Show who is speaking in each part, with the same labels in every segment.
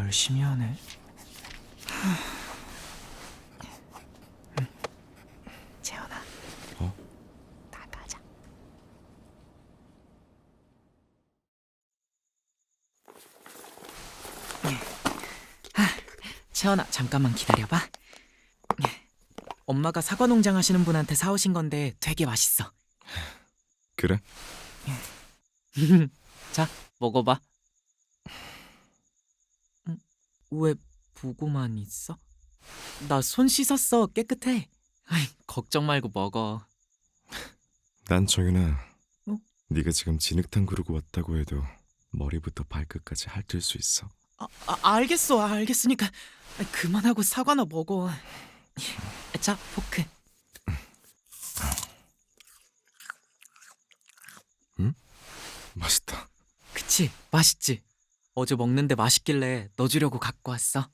Speaker 1: 열심히 하네. 재현아. 나가자. 채원아, 잠깐만 기다려봐. 엄마가 사과 농장 하시는 분한테 사오신 건데 되게 맛있어.
Speaker 2: 그래?
Speaker 1: 자, 먹어봐. 왜 보고만 있어? 나 손 씻었어. 깨끗해. 아이, 걱정 말고 먹어.
Speaker 2: 난 정윤아,
Speaker 1: 어?
Speaker 2: 네가 지금 진흙탕 그러고 왔다고 해도 머리부터 발끝까지 핥을 수 있어.
Speaker 1: 알겠어. 알겠으니까 그만하고 사과나 먹어. 자, 포크.
Speaker 2: 맛있다.
Speaker 1: 그치? 맛있지? 어제 먹는데 맛있길래 너 주려고 갖고 왔어.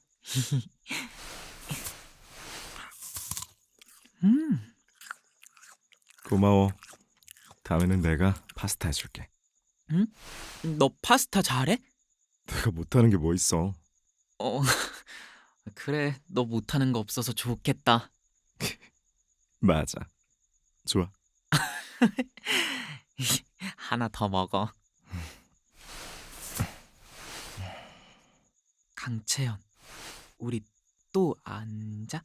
Speaker 2: 고마워. 다음에는 내가 파스타 해줄게.
Speaker 1: 너 파스타 잘해?
Speaker 2: 내가 못하는 게 뭐 있어.
Speaker 1: 어, 그래. 너 못하는 거 없어서 좋겠다.
Speaker 2: 맞아. 좋아.
Speaker 1: 하나 더 먹어. 강채연, 우리 또 앉아?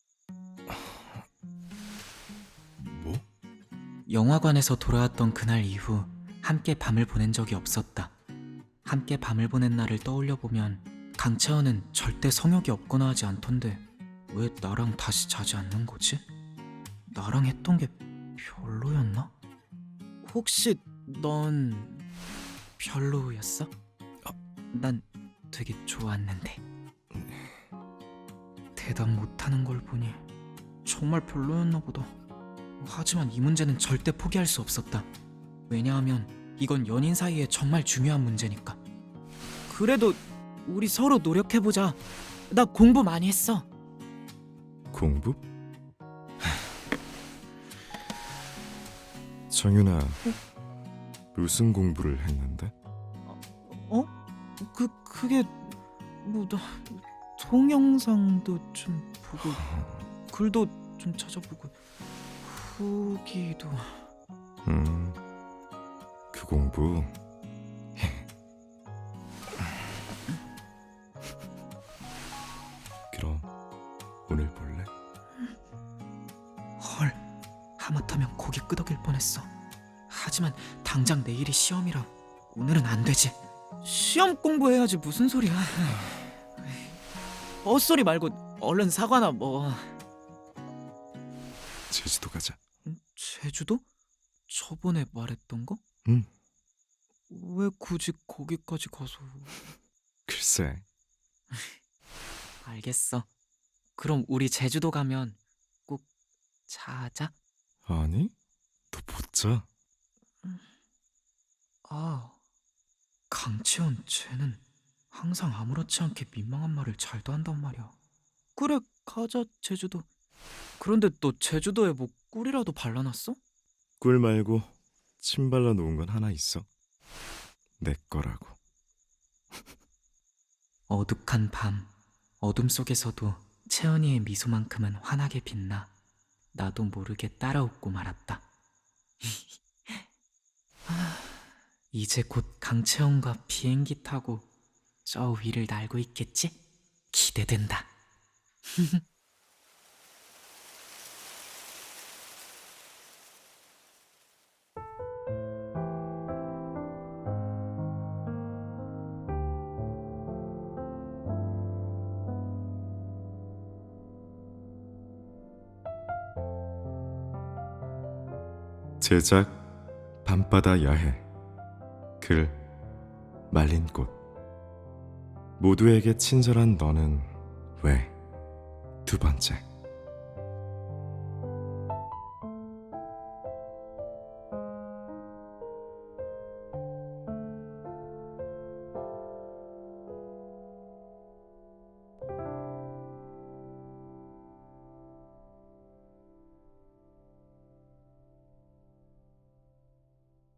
Speaker 2: 뭐?
Speaker 1: 영화관에서 돌아왔던 그날 이후 함께 밤을 보낸 적이 없었다. 함께 밤을 보낸 날을 떠올려 보면 강채연은 절대 성욕이 없거나 하지 않던데 왜 나랑 다시 자지 않는 거지? 나랑 했던 게 별로였나? 혹시 넌 별로였어? 난 되게 좋았는데. 대답 못하는 걸 보니 정말 별로였나 보다. 하지만 이 문제는 절대 포기할 수 없었다. 왜냐하면 이건 연인 사이에 정말 중요한 문제니까. 그래도 우리 서로 노력해보자. 나 공부 많이 했어.
Speaker 2: 공부? 정윤아, 무슨 공부를 했는데?
Speaker 1: 그게 나 동영상도 좀 보고 글도 좀 찾아보고 후기도.
Speaker 2: 그 공부. 그럼 오늘 볼래?
Speaker 1: 헐, 하마터면 고개 끄덕일 뻔했어. 하지만 당장 내일이 시험이라 오늘은 안 되지. 시험 공부해야지. 무슨 소리야. 헛소리 말고 얼른 사과나 먹어.
Speaker 2: 제주도 가자.
Speaker 1: 제주도? 저번에 말했던 거?
Speaker 2: 응.
Speaker 1: 왜 굳이 거기까지 가서...
Speaker 2: 글쎄.
Speaker 1: 알겠어. 그럼 우리 제주도 가면 꼭 자자.
Speaker 2: 아니, 너 못 자.
Speaker 1: 강채원 쟤는 항상 아무렇지 않게 민망한 말을 잘도 한단 말이야. 그래, 가자 제주도. 그런데 너 제주도에 뭐 꿀이라도 발라놨어?
Speaker 2: 꿀 말고 침 발라 놓은 건 하나 있어. 내 거라고.
Speaker 1: 어둑한 밤, 어둠 속에서도 채연이의 미소만큼은 환하게 빛나 나도 모르게 따라 웃고 말았다. 이제 곧 강채연과 비행기 타고 저 위를 날고 있겠지? 기대된다.
Speaker 2: 제작 밤바다 야해. 글 말린 꽃. 모두에게 친절한 너는 왜 두 번째.